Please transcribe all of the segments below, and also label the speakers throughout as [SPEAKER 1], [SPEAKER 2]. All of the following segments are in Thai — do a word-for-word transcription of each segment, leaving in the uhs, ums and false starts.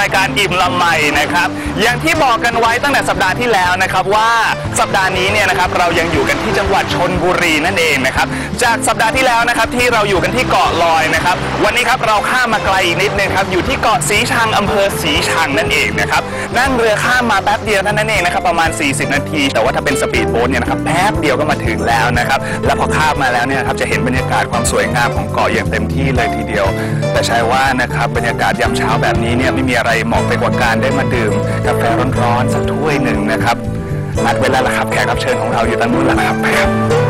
[SPEAKER 1] ายการอิ่มลำไมนะครับอย่างที่บอกกันไว้ตั้งแต่สัปดาห์ที่แล้วนะครับว่าสัปดาห์นี้เนี่ยนะครับเรายังอยู่กันที่จังหวัดชลบุรีนั่นเองนะครับจากสัปดาห์ที่แล้วนะครับที่เราอยู่กันที่เกาะลอยนะครับวันนี้ครับเราข้ามมาไกลอีกนิดนึงครับอยู่ที่เกาะสีชังอำเภอสีชังนั่นเองนะครับนั่งเรือข้ามมาแป๊บเดียวเท่านั้นเองนะครับประมาณสี่สิบนาทีแต่ว่าถ้าเป็นสปีดโบ๊ทเนี่ยนะครับแป๊บเดียวก็มาถึงแล้วนะครับแล้วพอข้ามมาแล้วเนี่ยครับจะเห็นบรรยากาศความสวยงามของเกาะอย่างเต็มที่เลยทีเดียวแต่ใช่ว่านะครับบรรยากาศยามเช้าแบบนี้เนี่ยไม่มีอะไรเหมาะไปกว่าการได้มาดื่มกาแฟร้อนๆสักถ้วยหนึ่งนะครับนัดเวลาละครับแขกรับเชิญของเราอยู่ตรงนู้นแล้วนะครับครับ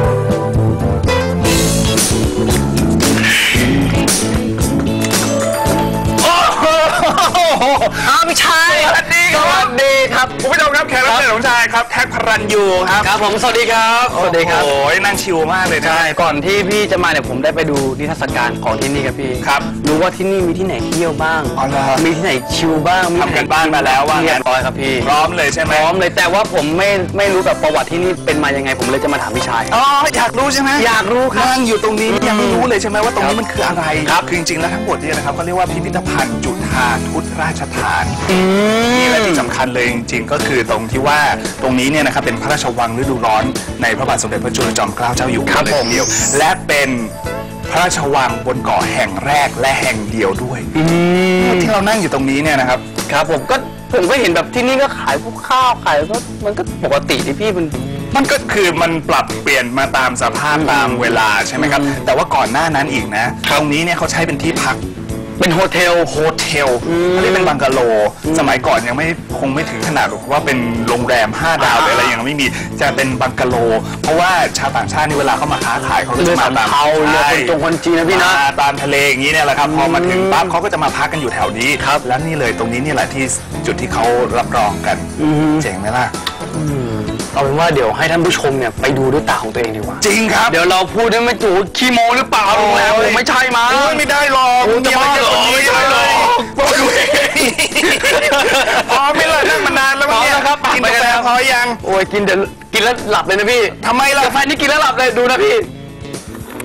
[SPEAKER 2] อ้าวพี่ชายสวัสดีครับสวัสดีครับ
[SPEAKER 1] คุณผู้ชมครับแขกรับเชิญของชายครับแท็กพรัญยูครับ
[SPEAKER 2] ครับผมสวัสดีครับสวัสดีครับ
[SPEAKER 1] โอ้ยนั่งชิลมากเลยนะ
[SPEAKER 2] ใช่ก่อนที่พี่จะมาเนี่ยผมได้ไปดูนิทรรศการของที่นี่ครับพี่
[SPEAKER 1] ครับ
[SPEAKER 2] รู้ว่าที่นี่มีที่ไหนเที่ยวบ้าง
[SPEAKER 1] อ๋อเหรอ
[SPEAKER 2] มีที่ไหนชิลบ้าง
[SPEAKER 1] ทำกันบ้านมาแล้วว่า
[SPEAKER 2] เรียบร้อยครับพี่
[SPEAKER 1] พร้อมเลยใช่ไหม
[SPEAKER 2] พร้อมเลยแต่ว่าผมไม่ไม่รู้แบบประวัติที่นี่เป็นมายังไงผมเลยจะมาถามพี่ชาย
[SPEAKER 1] อ๋ออยากรู้ใช่ไหม
[SPEAKER 2] อยากรู้ครับ
[SPEAKER 1] นั่งอยู่ตรงนี้ยังไม่รู้เลยใช่ไหมว่าตรงนี้มันคืออะไรครับคือจริงๆแล้วทั้งหมดเนี่ยนะครับเขาเรียกว่าพิพิธภัณฑ์จุฑาทุตราชธานีนี่แหละที่สำคัญเลยจริงๆก็คือตรงที่ว่าตรงนี้เนี่ยนะครับเป็นพระราชวังฤดูร้อนในพระบาทสมเด็จพระจุลจอมเกล้าเจ้าอยู่หัวเลยทีเดียวและเป็นพระราชวังบนเกาะแห่งแรกและแห่งเดียวด้วยที่เรานั่งอยู่ตรงนี้เนี่ยนะครับ
[SPEAKER 2] ครับผมก็ผมก็เห็นแบบที่นี่ก็ขายพวกข้าวขายก็มันก็ปกติที่พี่มัน
[SPEAKER 1] มันก็คือมันปรับเปลี่ยนมาตามสภาพตามเวลาใช่ไหมครับแต่ว่าก่อนหน้านั้นอีกนะตรงนี้เนี่ยเขาใช้เป็นที่พัก
[SPEAKER 2] เป็นโฮเทล
[SPEAKER 1] โฮเทลไม่ได้เป็นบังกะโลสมัยก่อนยังไม่คงไม่ถึงขนาดว่าเป็นโรงแรมห้าดาวหรืออะไรยังไม่มีจะเป็นบังกะโลเพราะว่าชาวต่างชาตินี่เวลาเขามาค้าขายเขาก็จะมาตาม
[SPEAKER 2] เขาเรือคนตรงคนจีนนะพี่นะ
[SPEAKER 1] ตามทะเลอย่างนี้เนี่ยแหละครับพอมาถึงปั๊บเขาก็จะมาพักกันอยู่แถวนี้ครับแล้วนี่เลยตรงนี้นี่แหละที่จุดที่เขารับรองกันเจ๋งไหมล่ะ
[SPEAKER 2] เอาเป็นว่าเดี๋ยวให้ท่านผู้ชมเนี่ยไปดูด้วยตาของตัวเองดีกว่า
[SPEAKER 1] จริงครับ
[SPEAKER 2] เดี๋ยวเราพูดได้ไม่ถูกขี้โมหรือเปล่าโรงแรมผมไม่ใช่มา
[SPEAKER 1] ไม่ได้หรอก
[SPEAKER 2] จะบ้าเหรอไม่ได้หรอก
[SPEAKER 1] บอกดูเองพอไม่เลยนั่งมานานแล้วเนี่ย
[SPEAKER 2] นะครับ
[SPEAKER 1] กินกาแฟพอยัง
[SPEAKER 2] โอ้ยกินเดี๋ยวกินแล้วหลับเลยนะพี่
[SPEAKER 1] ทำไมล่ะ
[SPEAKER 2] กาแฟนี่กินแล้วหลับเลยดูนะพี่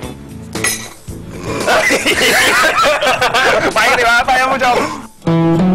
[SPEAKER 1] ไปดีกว่าไปท่านผู้ชม